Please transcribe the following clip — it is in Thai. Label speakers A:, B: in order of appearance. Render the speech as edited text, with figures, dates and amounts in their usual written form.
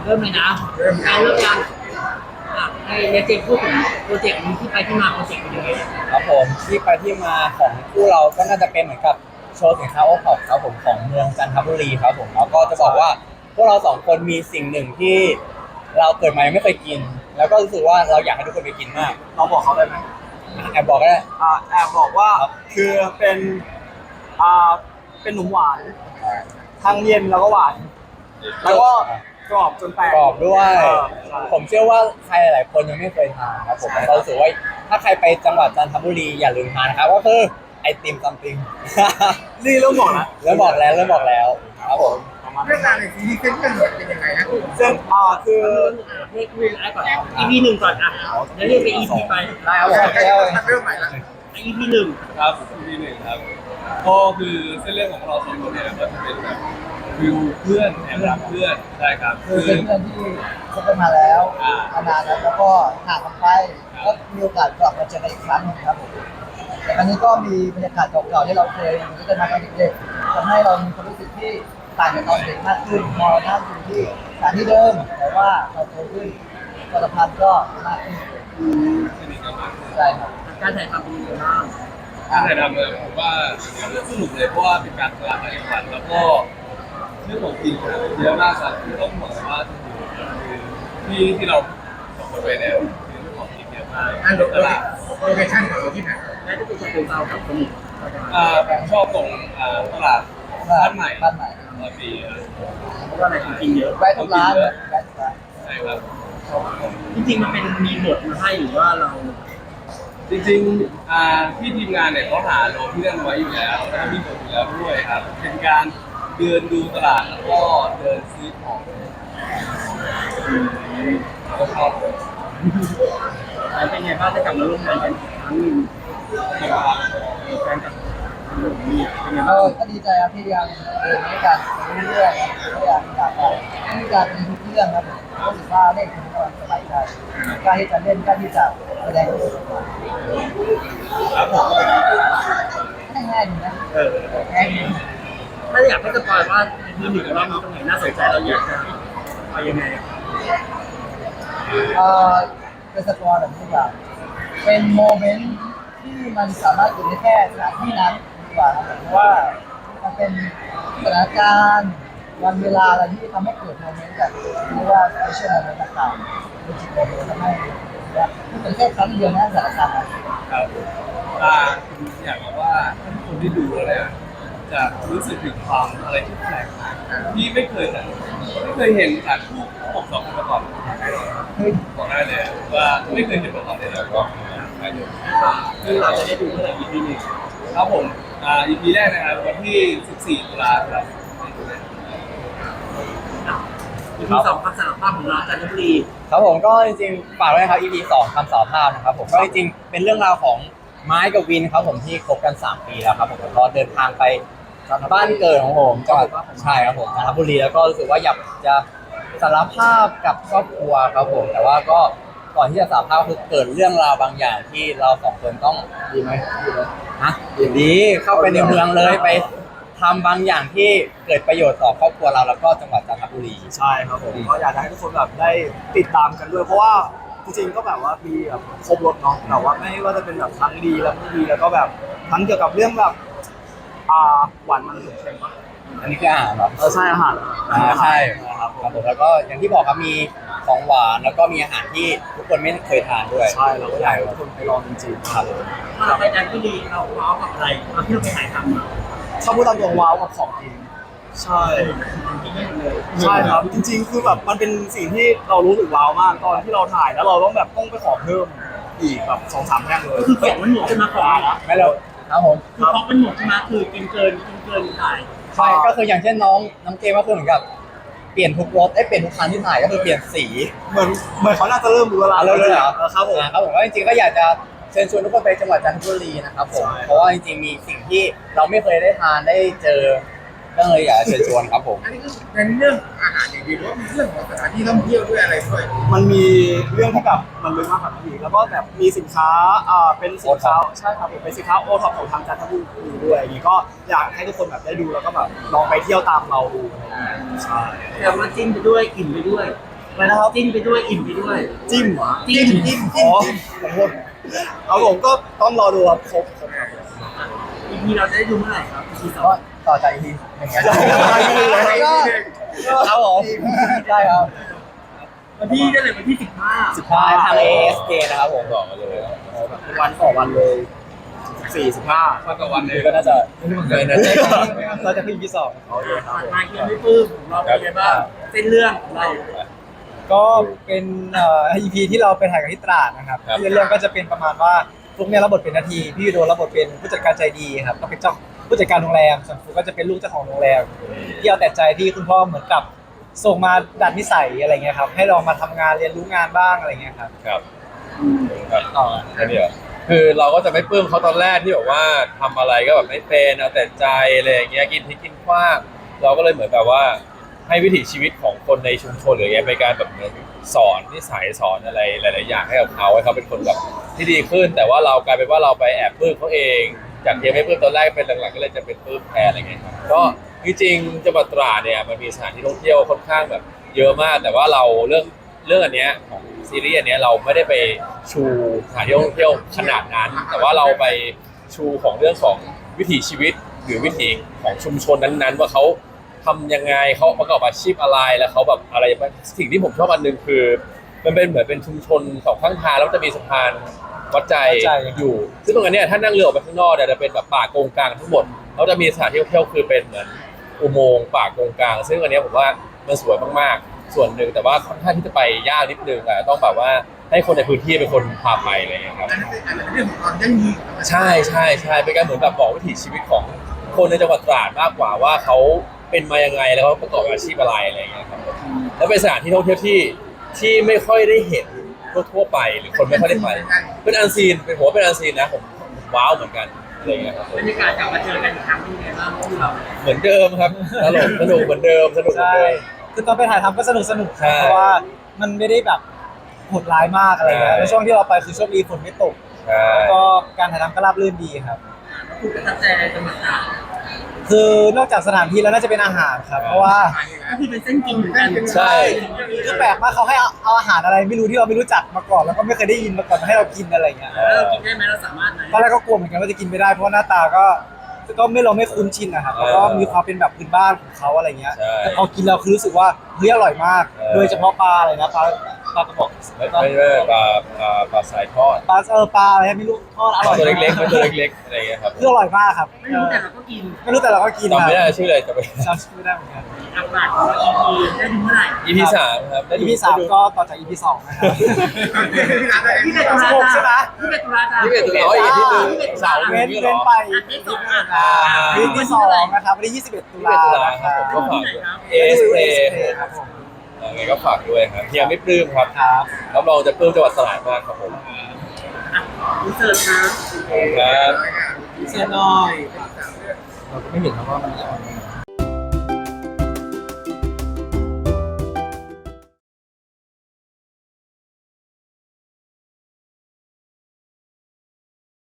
A: เริ่มเลยนะการเริ่มยังให้เนเจนพูดถึงโปรเจกต์นี้ที่ไปที่มาโปรเจกต์เป็นยังไง
B: ครับผมที่ไปที่มาของคู่เราก็น่าจะเป็นเหมือนกับโชว์สินค้าโอท็อปครับผมของเมืองจันทบุรีครับผมแล้วก็จะบอกว่าพวกเราสองคนมีสิ่งหนึ่งที่เราเกิดมายังไม่เคยกินแล้วก็รู้สึกว่าเราอยากให้ทุกคนไปกินมาก
C: เราบอกเขาได้ไหม
B: แอบบอกก็ได้
C: แอบบอกว่าคืออ่าเป็นหนุ่มหวานทั้งเย็นแล้วก็หวานแล้วก็กรอบจนแตก
B: กรอบด้วย
C: ใช่
B: ผมเชื่อว่าใครหลายๆคนยังไม่เคยทานครับผมแล้วก็รู้สึกว่าถ้าใครไปจังหวัดจันทบุรีอย่าลืมทานนะครับก็คือไอติมซัมติง
C: นี่เริ่มบอกนะ
B: เริ่มบอกแล้วครับผม
D: เรื่องราวในซีรีส์เส้นเรื่องเป็นยังไงนะ
C: เส้นคือ
A: เรียกวินไอ้ก่อน EP หนึ่งก่อนแล้วเรียกไป EP ไป
B: ได้ครับผม
D: เริ่มใหม่ละ
A: EP หนึ่ง
E: ครับ EP หนึ่งครับก็คือเส้นเรื่องของเราสองคนเนี่ยก็จะเป็นแบบฟิลเพื่อนแอบรักเพื่อนใช่ครับ
F: คือเป็นเพื่อนที่คบกันมาแล้วมานานแล้วก็ห่างกันไปก็มีโอกาสกลับมาเจอกันอีกครั้งนึงครับผมแต่ครั้งนี้ก็มีบรรยากาศเก่าๆที่เราเคยอยู่ด้วยกันมาตอนเด็กๆทำให้เรามีความรู้สึกที่ต่างจากตอนเด็กมากขึ้นมองหน้าอยู่ที่สถานที่เดิมแต่ว่าเราโตขึ้นความสัมพันธ์ก็มากขึ้นใช่ครับ
A: การถ่ายทำเป็นยังไงบ้าง
E: การถ่ายทำเลยผมว่าสนุกเลยเพราะว่าเป็นการตลาดในจังหวัดแล้วก็เรื่องของจริงเยอะมากครับที่ต้องบอกว่าที่เราสองคนไปเนี่ยคือเรื่องของจริงเยอะมากตลาด
D: โลเคชั่นของเราที่ไหน
A: และที่เป็นตัวเรากับสมุทร
E: ชอบตรงตลาดบ้านใหม่ปี
A: เพราะว่าอะไรกินเยอะ
F: แวะทุกร้านแวะทุกร้าน
E: ใช่ครับ
A: จริงๆมันเป็นมีบทมาให้หรือว่าเรา
E: จริงๆที่ทีมงานเนี่ยเขาหาโลที่เล่นไว้อยู่แล้วแล้วมีบทอยู่แล้วด้วยครับเป็นการเดินดูตลาดแล้วก็เดินซื้อของก็ชอบเลย
A: แล้วเป็นไงบ้างได้กลับมาร่วมงานกันอีกครั้งหนึ่งแฟนกับมีเป็นไงบ้าง
F: ก็ดีใจครับที่ยังเดินด้วยกันเรื่อยๆก็อยากมีการมีทุกเรื่องครับผมรู้สึกว่าเล่นเป็นคนสบายใจกล้าที่จะเล่นกล้าที่จะแสดง
E: ครับผม
F: ง่ายๆดีนะง่ายดี
A: ถ้าอยากให้สปอยว่ามีหนึ่งว่ามีตรงไหนน่าสนใจเราอยากจะไปยังไง
F: เป็นสปอร์ตแบบนี้แบบเป็นโมเมนต์ที่มันสามารถอยู่ได้แค่สถานที่นั้นดีกว่าครับเพราะว่ามันเป็นสถานการณ์วันเวลาอะไรที่ทำให้เกิดโมเมนต์แบบเรียกว่าสเปเชียลโมเมนต์ต่างๆเป็นจิตโมเมนต์ทำให้นี่เป็นแค่ครั้งเดียวนะสถานการณ์
E: ครับอยากบอกว่าคนที่ดูแล้วเนี่ยจะรู้สึกถึงความอะไรที่แปลกที่ไม่เคยเห็นจากคู่ผมสองคนมาก่อนบอกได้เลยว่าไม่เคยเห็นมาก่อนเลยแล้วก็ได้เลย
A: คือเราจะได้ดูเมื่อไหร่ EP หนึ่ง
E: ครับผมEP แรกนะครับวันที่14 ตุลาครับ
A: EP สองความสารภาพของเราจันทบุรี
B: ครับผมก็จริงๆฝากไว้นะครับ EP 2คำสารภาพนะครับผมก็จริงๆเป็นเรื่องราวของไม้กับวินครับผมที่คบกัน3 ปีแล้วครับผมก็เดินทางไปบ้านเกิดของผมจังหวัดใช่ครับผมจันทบุรีแล้วก็รู้สึกว่าอยากจะสารภาพกับครอบครัวครับผมแต่ว่าก็ก่อนที่จะสารภาพคือเกิดเรื่องราวบางอย่างที่เราสองคนต้องดีไหมฮะดีเข้าไปในเมืองเลยไปทำบางอย่างที่เกิดประโยชน์ต่อครอบครัวเราแล้วก็จังหวัดจันทบุรี
C: ใช่ครับผมก็อยากให้ทุกคนแบบได้ติดตามกันด้วยเพราะว่าจริงๆก็แบบว่ามีแบบครบรถเนาะแต่ว่าไม่ว่าจะเป็นแบบทั้งดีและไม่ดีแล้วก็แบบทั้งเกี่ยวกับเรื่องแบบหวานมันเค็ม
B: อันนี้คืออาหารเหรอ
C: ใช่อาหาร
B: ใช่ครับผมแล้วก็อย่างที่บอกครับมีของหวานแล้วก็มีอาหารที่ทุกคนไม่เคยทานด้วย
C: ใช่เราก็อยากให้ทุกคนไปลองจริงๆครับ
A: เราไปจันทบุรีเราว้าวกับอะไรเราที่เราไปถ่ายทำ
C: ถ้าพูดตามตรงว้าวกับของจริงใช่ใช่ครับจริงๆคือแบบมันเป็นสิ่งที่เรารู้สึกว้าวมากตอนที่เราถ่ายแล้วเราต้องแบบต้องไปขอเพิ่มอีกแบบ2-3 แท่งเลย
A: คือของมันหมดใช่ไหมของ
B: ไม่เราครับผม
A: คือของมันหมดใช่ไหมคือกินเกินถ่าย
B: ใช่ก็คืออย่างเช่นน้องเกมก็คือเหมือนกับเปลี่ยนทุกรถเปลี่ยนทุกคันที่ถ่ายก็คือเปลี่ยนสี
C: เหมือนเขาน่าจะเริ่มรู้แล้ว
B: เลยเหรอ
C: ครับผม
B: ก็จริงๆก็อยากจะเชิญชวนทุกคนไปจังหวัดจันทบุรีนะครับผมเพราะว่าจริงๆมีสิ่งที่เราไม่เคยได้ทานได้เจอก็เลยอยากเชิญชวนครับผม
D: อันนี้คือเป็นเรื่องอาหารอย่างเดียวหรือว่ามีเรื่องของสถานที่ท่องเที่ยวด้วยอะไรด้วย
C: มันมีเรื่องที่แบบมันลึกมากกว่านั้นอีกแล้วก็แบบมีสินค้าเป็นสินค้าใช่ครับผมเป็นสินค้าโอท็อปของทางจันทบุรีด้วยอย่างนี้ก็อยากให้ทุกคนแบบได้ดูแล้วก็แบบลองไปเที่ยวตามเราดูอะไรอย่างเงี้ยใช่
A: แต่มันจิ้มไปด้วยอิ่มไปด้วย
F: แล้วนะครับ
A: จิ้นไปด้วยอิ่มไปด้วย
C: จิ้มเหรอ
A: จิ้ม
C: อ๋อขอโทษเอาผมก็ต้องรอดูครับครบครับ
A: อีพีเราจะได้ดูเมื่อไหร่ครับอีพีสอ
F: ก็
A: ง
F: ต่อจากอีพีหนึ่งครับ
C: ครับผม
F: ได้ครับ
A: วันที่ได้เลยวันที่15
B: 15ทาง ASK นะครับผมบอกมาเลย
C: วันต่อวันเลย45
E: วันต่อวันเลย
B: ก็น่าจะเลยนะ
C: เราจะขึ้นที่2โอเคครับ
A: มาเยี่ยมไม่ปลื้มของเราเป็นไงบ้างเส้นเรื่องของเรา
C: ก็เป็นEP ที่เราไปถ่ายกันที่ตราดนะครับที่เรื่องก็จะเป็นประมาณว่าฟลุกเนี่ยรับบทเป็นนาทีพี่วิโดรับบทเป็นผู้จัดการใจดีครับก็เป็นเจ้าผู้จัดการโรงแรมส่วนฟลุกก็จะเป็นลูกเจ้าของโรงแรมที่เอาแต่ใจที่คุณพ่อเหมือนกับส่งมาดัดนิสัยอะไรเงี้ยครับให้ลองมาทำงานเรียนรู้งานบ้างอะไรเงี้ยครับ
G: ครับแค่นี้เหรอคือเราก็จะไม่ปลื้มเขาตอนแรกที่แบบว่าทำอะไรก็แบบไม่เป็นเอาแต่ใจอะไรอย่างเงี้ยกินที่กินขว้างเราก็เลยเหมือนแบบว่าให้วิถีชีวิตของคนในชุมชนหรือไงเป็นการแบบเหมือนสอนนิสัยสอนอะไรหลายๆอย่างให้กับเขาให้เขาเป็นคนแบบที่ดีขึ้น แต่ว่าเรากลายเป็นว่าเราไปแอบปลื้มเขาเองจากที่ไม่ปลื้มตอนแรกเป็นหลังๆก็เลยจะเป็นปลื้มแทนอะไรเงี้ยครับก็จริงๆจังหวัดตราดเนี่ยมันมีสถานที่ท่องเที่ยวค่อนข้างแบบเยอะมากแต่ว่าเราเรื่องอันเนี้ยของซีรีส์อันเนี้ยเราไม่ได้ไปชูสถานที่ท่องเที่ยวขนาดนั้น แต่ว่าเราไปชูของเรื่องของวิถีชีวิตหรือวิถีของชุมชนนั้นๆว่าเขาทำยังไงเขาประกอบอาชีพอะไรแล้วเขาแบบอะไรสิ่งที่ผมชอบอันหนึงคือ มันเป็นเหมือนเป็นชุมชนสองข้างทางแล้วจะมีสะพานวัดใจอยู่ ซึ่งตรงนั้นเนี่ยถ้านั่งเรือออกไปข้างนอกเนี่ยจะเป็นแบบป่าโกงกลางทั้งหมดแล้วจะมีสถานที่ท่องเที่ยวคือเป็นเหมือนอุโมงค์ป่าโกงกลาง ซึ่งอันเนี้ยผมว่ามันสวยมากๆส่วนหนึ่งแต่ว่าค่อนข้างที่จะไปยากนิดนึงอ่ะต้องแบบว่าให้คนในพื้นที่เป็นคนพาไปอะไรอย่างเงี้ยครับ
D: อันนั้นเป็นเรื่องของความยั่งยืน
G: ใช่ใช่ใช่เป็นการเหมือนแบบบอกวิถีชีวิตของคนในจังหวัดตราดมากกว่าว่าเขาเป็นมายังไงแล้วเขาประกอบอาชีพอะไรอะไรอย่างเงี้ยครับแล้วเป็นสถานที่ท่องเที่ยวที่ไม่ค่อยได้เห็นทั่วๆไปหรือคนไม่ค่อยได้ไปเป็นอันซีนเป็นผมว่าเป็นอันซีนนะผมว้าวเหมือนกันอะไรอย่างเงี้ยครับ
A: บรรยากาศกลับมาเจอกันอีกครั้งเป็นไงบ้างพวกเรา
G: เหมือนเดิมครับตลกสนุกเหมือนเดิมสนุกเหมือน
C: ใช่
G: เดิม
C: คือตอนไปถ่ายทำก็สนุกครับ
G: ใช่
C: เพราะว่ามันไม่ได้แบบโหดร้ายมากอะไรเงี้ย
G: ใช่
C: แล้วช่วงที่เราไปคือโชคดีฝนไม่ตก
G: ใช่
C: แล้วก็การถ่ายทำก็ราบรื่นดีครับ
A: แล้วคุณประทับใจอะไรจังหวัดตราด
C: คือนอกจากสถานที่แล้วน่าจะเป็นอาหารครับ เพราะว่า
A: ก็คือเป็นเส้นจริงเหมือนกัน
G: ใช่
C: คือแปลกมากเขาให้เอาอาหารอะไรไม่รู้ที่เราไม่รู้จักมาก่อนแล้วก็ไม่เคยได้ยินมาก่อนมาให้เรากินอะไรเงี้ย
A: แล้วเรากินได้ไหมเราสามารถไหม
C: ตอนแรกก็กลัวเหมือนกันว่าจะกินไม่ได้เพราะว่าหน้าตาก็เราไม่คุ้นชินนะครับแล้วก็มีความเป็นแบบพื้นบ้านของเขาอะไรเงี้ย
G: ใช่
C: แต่พอกินเราคือรู้สึกว่าเฮ้ยอร่อยมาก โดยเฉพาะปลาอะไรนะปลากระบอก
G: ไม่ปลาสายทอด
C: ปลาอะไรไม่รู้ทอดอร่อย
G: ตัวเล็กๆ
C: มา
G: มันตัวเล็กๆอะไรอย่างเงี้ยครับ
C: คืออร่อยมากครับ
A: ไม่รู้แต่เราก็กิน
C: ไม่รู้แต่เราก็กิน
G: จำไม่ได้ชื่ออะไรจะไป
C: จำชื่อไม่ได้เหมือนกัน
A: อัปราดของเรา EP ได้ดูเมื่อไหร่
G: EP 3ครับได้ดู
C: EP 3ก็ต่อจาก EP 2นะครับ
A: ที่เป็นตุลา
C: 16ใช่ไหม
A: ที่เป็นตุลาจ้า
G: ที่เป็นตัวน้อยอีกที่หนึ่งเสาร์
C: เว้น
G: นี้เหร
C: เว้
G: อน
C: ไป
A: อาทิตย์สองอ่ะ
C: วีคที่2นะครับวันที่21 ตุลา
G: ตุลา
C: นะ
G: ค
C: ค
G: รั
C: รั
G: บบ ผมก็ฝาก
C: เอ
G: ASK
C: ครับผม
G: ยังไงก็ฝากด้วยครับเฮียไม่ปลื้มครับ
C: ครับ
G: รับรองจะปลื้มจังหวัดตราดมากครับผม
A: อินเสิร์ตนะ
G: ครับ
C: เสียหน่อยเราก็ไม่เห็นครับว่ามัน